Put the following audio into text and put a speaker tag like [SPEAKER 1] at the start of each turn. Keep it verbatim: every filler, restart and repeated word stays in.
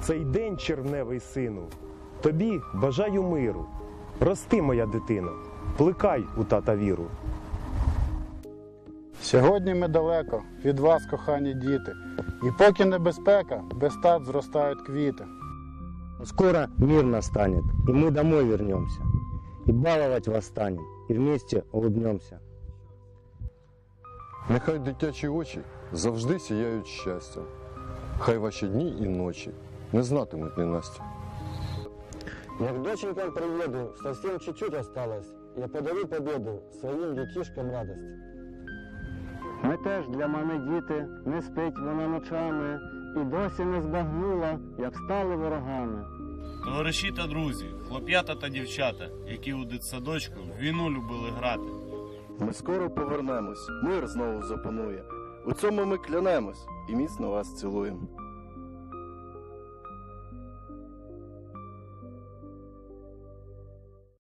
[SPEAKER 1] цей день, червневий сину, тобі бажаю миру. Рости, моя дитино, плекай у тата віру.
[SPEAKER 2] Сьогодні ми далеко від вас, кохані діти, і поки небезпека, без тат зростають квіти.
[SPEAKER 3] Скоро мир настанет, и мы домой вернемся, и баловать вас станем, и вместе улыбнемся.
[SPEAKER 4] Нехай дитячі очі завжди сіяють щастя. Хай ваші дні і ночі не знатимуть ненастя.
[SPEAKER 3] Я к доченькам приеду, совсем чуть-чуть осталось. Я подарю победу своим детишкам радость. Ми теж для мене діти, не спить вона ночами, і досі не збагнула, як стали ворогами.
[SPEAKER 5] Товариші та друзі, хлоп'ята та дівчата, які у дитсадочку в війну любили грати.
[SPEAKER 6] Ми скоро повернемось, мир знову запанує. У цьому ми клянемось і міцно вас цілуємо.